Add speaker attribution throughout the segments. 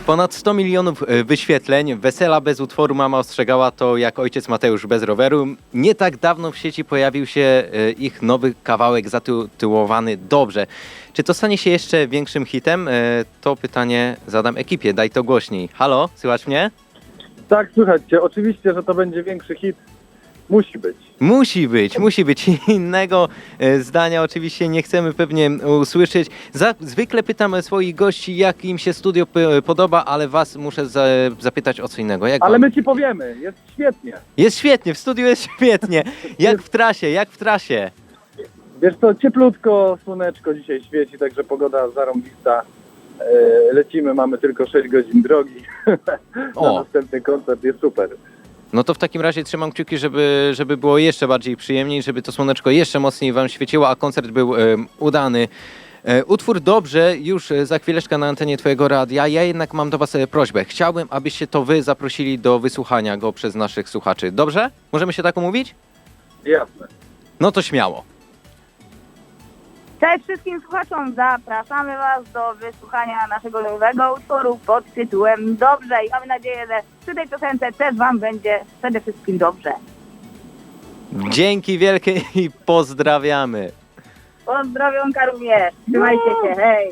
Speaker 1: Ponad 100 milionów wyświetleń. Wesela bez utworu Mama ostrzegała to jak ojciec Mateusz bez roweru. Nie tak dawno w sieci pojawił się ich nowy kawałek zatytułowany Dobrze. Czy to stanie się jeszcze większym hitem? To pytanie zadam ekipie. Daj to głośniej. Halo, słychać mnie?
Speaker 2: Tak, słychać cię. Oczywiście, że to będzie większy hit. Musi być.
Speaker 1: Musi być. Innego zdania oczywiście nie chcemy pewnie usłyszeć. Zwykle pytam swoich gości, jak im się studio podoba, ale was muszę zapytać o co innego. Jak
Speaker 2: Ale
Speaker 1: wam?
Speaker 2: my ci powiemy. Jest świetnie.
Speaker 1: Jest świetnie, w studiu jest świetnie. Jak w trasie?
Speaker 2: Wiesz co, cieplutko, słoneczko dzisiaj świeci, także pogoda zarąbista. Lecimy, mamy tylko 6 godzin drogi.
Speaker 1: O.
Speaker 2: Na następny koncert jest super.
Speaker 1: No to w takim razie trzymam kciuki, żeby było jeszcze bardziej przyjemniej, żeby to słoneczko jeszcze mocniej wam świeciło, a koncert był udany. Utwór Dobrze już za chwileczkę na antenie twojego radia. Ja jednak mam do was prośbę. Chciałbym, abyście to wy zaprosili do wysłuchania go przez naszych słuchaczy. Dobrze? Możemy się tak umówić?
Speaker 2: Jasne.
Speaker 1: No to śmiało.
Speaker 3: Cześć wszystkim słuchaczom, zapraszamy Was do wysłuchania naszego nowego utworu pod tytułem Dobrze i mamy nadzieję, że przy tej piosence też Wam będzie przede wszystkim dobrze.
Speaker 1: Dzięki wielkie i pozdrawiamy.
Speaker 3: Pozdrowionka również, trzymajcie się, hej!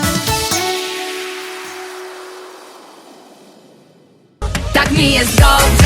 Speaker 4: Tak mi jest dobrze.